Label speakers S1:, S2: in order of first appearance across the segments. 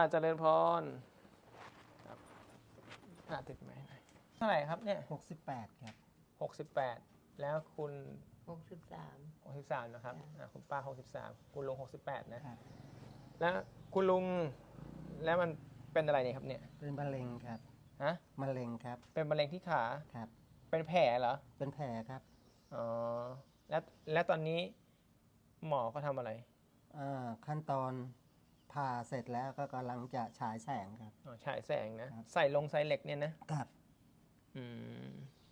S1: เจริญพรครับติดไหมหน่อยเท่าไหร่ครับเนี่ย
S2: 68ครับ
S1: 68แล้วคุณ
S3: 63
S1: 63นะครับคุณป้า63คุณลุง68นะครับ แล้วคุณลุงแล้วมันเป็นอะไรเนี่ยครับเนี่ย
S2: เป็นมะเร็งครับ
S1: ฮะ
S2: มะเร็งครับ
S1: เป็นมะเร็งที่ขา
S2: ครับ
S1: เป็นแผลเหรอ
S2: เป็นแผลครับ
S1: อ๋อแล้วตอนนี้หมอก็ทำอะไร
S2: ขั้นตอนผ่าเสร็จแล้วก็กำลังจะฉายแสงครับ
S1: ฉายแสงนะใส่เหล็กเนี่ยนะครับอืม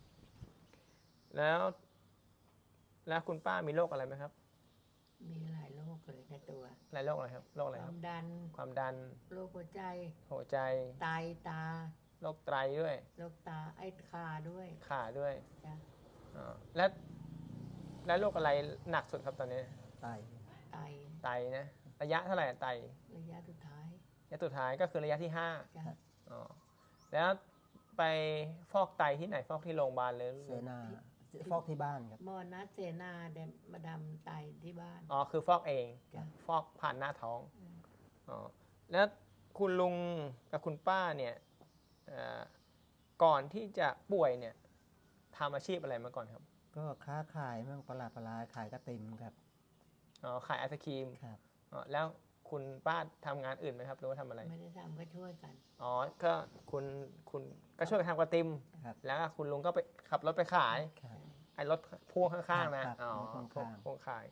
S1: แล้วคุณป้ามีโรคอะไรไหมครับ
S3: มีหลายโรคเลยในตัว
S1: หลายโรคอะไรครับโรคอะไร
S3: ค
S1: ครั
S3: วามดันโรคหัวใจไตตา
S1: โรคไตด้วย
S3: โรคตาขาด้วย
S1: จ้ะแล้วโรคอะไรหนักสุดครับตอนนี้
S2: ไต
S1: ไตนะระยะเท่าไหร่ไต
S3: ระยะสุดท้าย
S1: ก็คือระยะที่5อ๋อแล้วไปฟอกไตที่ไหนฟอกที่โรงพยาบาลเลย
S2: เสนาฟอกที่บ้านครับ
S3: มอนัสเสนามาดำไตที่บ้าน
S1: อ๋อคือฟอกเองฟอกผ่านหน้าท้องอ๋อแล้วคุณลุงกับคุณป้าเนี่ยก่อนที่จะป่วยเนี่ยทำอาชีพอะไรมาก่อนครับ
S2: ก็ค้าขายมั่งปลาขายกระติมครับ
S1: อ๋อขายไอศครีม
S2: ครับ
S1: อ๋อแล้วคุณป้าทำงานอื่นไหมครับหรือว่าทำอะไร
S3: ไม่ได้ทำก็ช่วยกัน
S1: อ๋อก็คุณก็ช่วยกันทำกระติมแล้วคุณลุงก็ไปขับรถไปขายไอ้รถพ่วงข้างๆนะอ๋อพ่วงขาย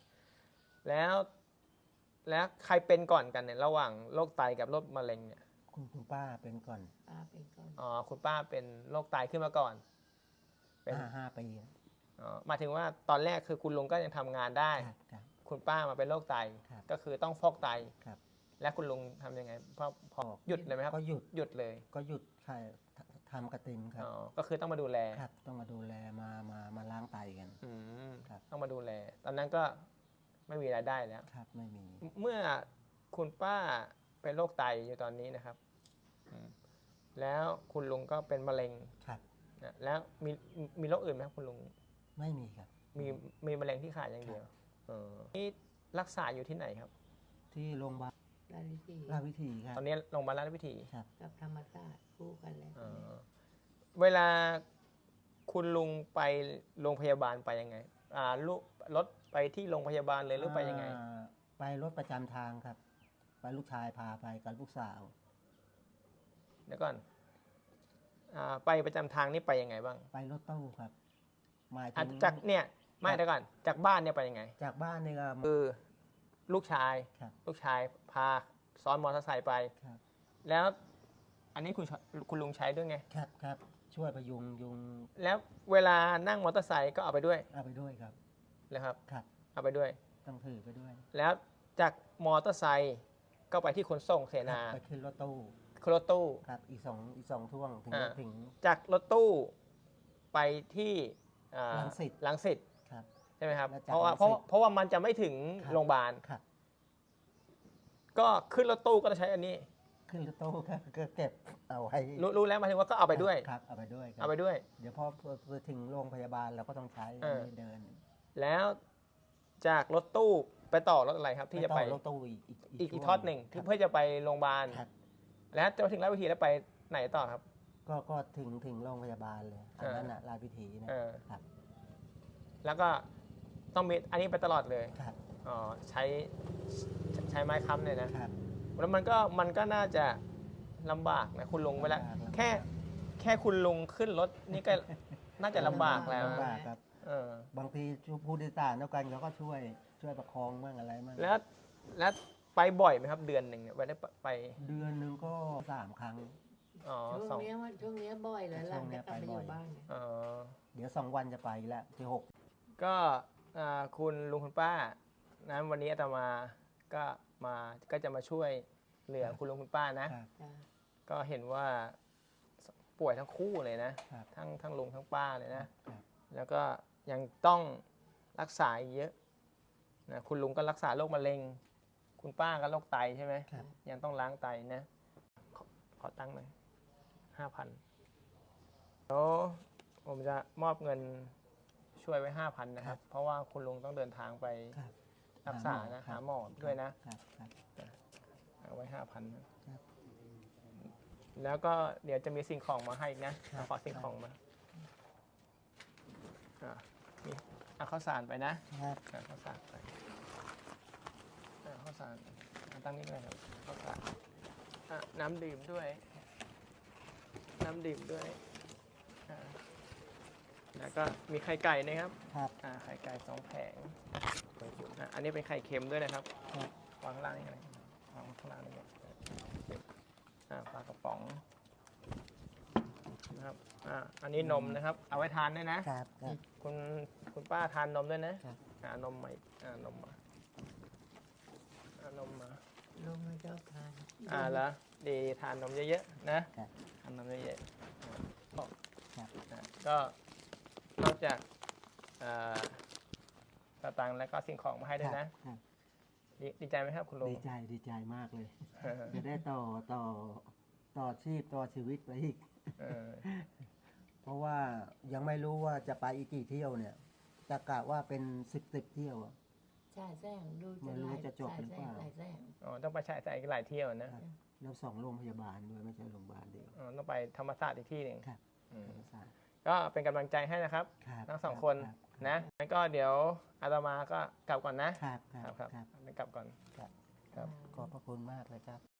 S1: แล้วใครเป็นก่อนกันเนี่ยระหว่างโรคไตกับโรคมะเร็งเนี่ย
S2: คุณป้าเป็นก่อน
S1: อ๋อคุณป้าเป็นโรคไตขึ้นมาก่อน
S2: เป็น5 ปี
S1: อ๋อหมายถึงว่าตอนแรกคือคุณลุงก็ยังทำงานได้คุณป้ามาเป็นโรคไตก็คือต้องฟอกไตและคุณลุงทำยังไงพอหยุดเลยไหมครับ
S2: ก็หยุด
S1: เลย
S2: ก็หยุดทำกระติมครับ
S1: ก็คือต้องมาดูแล
S2: ครับต้องมาดูแลมาล้างไตกัน
S1: ต้องมาดูแลตอนนั้นก็ไม่มีรายได้แล้ว
S2: ครับไม่มี
S1: เมื่อคุณป้าเป็นโรคไตอยู่ตอนนี้นะครับแล้วคุณลุงก็เป็นมะเร็ง
S2: ครับ
S1: แล้วมีโรคอื่นไหมครับคุณลุง
S2: ไม่มีครับ
S1: มีมะเร็งที่ขาอย่างเดียวนี่รักษาอยู่ที่ไหนครับ
S2: ที่โรงพยาบาลราชวิถีครับ
S1: ตอนนี้โรงพยาบาลราชวิถี
S3: กับธรรมศาสตร์คู่กันเลย
S1: เวลาคุณลุงไปโรงพยาบาลไปยังไงรถไปที่โรงพยาบาลเลยหรือไปยังไง
S2: ไปรถประจำทางครับไปลูกชายพาไปกับลูกสาว
S1: เดี๋ยวก่อนไปประจำทางนี่ไปยังไงบ้าง
S2: ไปรถตู้ครับ
S1: จากเนี่ยไม่เดี๋ยวก่อนจากบ้านเนี่ยไปยังไง
S2: จากบ้านนี่ก็
S1: คือลูกชายพาซ้อนมอเตอร์ไซค์ไปแล้วอันนี้คุณลุงใช้ด้วยไง
S2: ครับช่วยประยุง
S1: แล้วเวลานั่งมอเตอร์ไซค์ก็เอาไปด้วย
S2: ครับ
S1: แล้วครับ
S2: ครับ
S1: เอาไปด้วย
S2: ต้องถือไปด้วย
S1: แล้วจากมอเตอร์ไซค์ก็ไปที่ขนส่งเสนา
S2: ไปขึ้นรถตู้ครับอีกสองท่วงถึง
S1: จากรถตู้ไปที่
S2: รังสิต
S1: ใช่ไหมครับเพราะว่ามันจะไม่ถึงโรงพยาบาลก็ขึ้นรถตู้ก็จะใช้อันนี้
S2: ขึ้นรถตู้ก็เก็บเอาไว้
S1: รู้แล้วหมายถึงว่าก็เอาไปด้วย
S2: ครับเอาไปด้วยเดี๋ยวพอถึงโรงพยาบาลเราก็ต้องใช้เดิน
S1: แล้วจากรถตู้ไปต่อรถอะไรครับที่จะไป
S2: รถตู้
S1: อีกทอดหนึ่งเพื่อจะไปโรงพยาบาลแล้วจะถึงราชวิถีแล้วไปไหนต่อครับ
S2: ก็ถึงโรงพยาบาลเลยอันนั้นราชวิถีนะครับ
S1: แล้วก็ต้องมีอันนี้ไปตลอดเลยอ๋อใช้ไม้ค้ำเนี่ยนะครับแล้วมันก็น่าจะลำบากนะคุณลุงไปแล้วแค่คุณลุงขึ้นรถนี่ก็น่าจะลำบากแล้ว
S2: ครับบางทีผู้โดยสารเดียวกันเขาก็ช่วยประคองบ้างอะไรบ้าง
S1: แล้วไปบ่อยไหมครับเดือนหนึ่งเนี่ยไป
S2: เดือนหนึ่งก็3 ครั้ง
S3: ช่วงนี้บ่อยเลยหลังจากกลับไปอยู่บ้าน
S2: เดี๋ยว2 วันจะไปแล้วที่6
S1: ก็คุณลุงคุณป้านะวันนี้อาตมาก็จะมาช่วยเหลือคุณลุงคุณป้านะก็เห็นว่าป่วยทั้งคู่เลยนะทั้งลุงทั้งป้าเลยนะแล้วก็ยังต้องรักษาเยอะนะคุณลุงก็รักษาโรคมะเร็งคุณป้าก็โรคไตใช่ไหมยังต้องล้างไตนะขอตั้งหน่อย5,000แล้วผมจะมอบเงินช่วยไว้ 5,000 นะครับเพราะว่าคุณลุงต้องเดินทางไปรักษานะหาหมอด้วยนะเอาไว้ 5,000 นะแล้วก็เดี๋ยวจะมีสิ่งของมาให้อีกนะขอสิ่งของมามีข้าวสารไปนะครับ ข้าวสารไปข้าวสารตั้งนี้เลยครับข้าวสารน้ำดื่มด้วย น้ำดื่มด้วยแล้วก็มีไข่ไก่นะครับ
S2: ครับ
S1: ไข่ไก่2 แผงอันนี้เป็นไข่เค็มด้วยนะครับ
S2: ครับ
S1: วางข้างล่างนี่อะไรวางข้างล่างนี่ปลากระป๋องนะครับอันนี้นมนะครับ เอาไว้ทานด้วยนะครับ
S2: ครับ
S1: คุณป้าทานนมด้วยนะครับ นมใหม่นมมา
S3: ล
S1: นมมา
S3: งมาชอบทาน
S1: แล้วดีทานนมเยอะๆนะครับ ทานนมเยอะๆ
S2: ครับ
S1: ก็นอกจากสตังค์แล้วก็สิ่งของมาให้ด้วยนะ
S2: ครับ
S1: ดีใจไหมครับคุณลุง
S2: ดีใจมากเลย จะได้ต่อชีวิตไปอีก
S1: เออ
S2: เพราะว่ายังไม่รู้ว่าจะไปอีกกี่เที่ยวเนี่ย จะกะว่าเป็นสิบเที่ยวอะ
S3: ใช่แซงดู
S2: ไม่รู้จะจบหรือเปล่า
S3: ใช่แซง
S1: ต้องไปใช้ใส่หลายเที่ยวนะ
S2: แล้ว2 โรงพยาบาลด้วยไม่ใช่โรงพยาบาลเดียว
S1: ต้องไปธรรมศาสตร์อีกที่หนึ่ง
S2: ครับ
S1: อืม
S2: ธรรมศาสตร์
S1: ก็เป็นกำลังใจให้นะครับ
S2: ครับ
S1: ทั้งสอง
S2: รับ
S1: คน
S2: รับ
S1: นะงั้นก็เดี๋ยวอาตมาก็กลับก่อนนะครับ
S2: ครับ
S1: ไปกลับก่อน
S2: ครับ
S1: ครับ
S2: ขอบพระคุณมากเลยครับ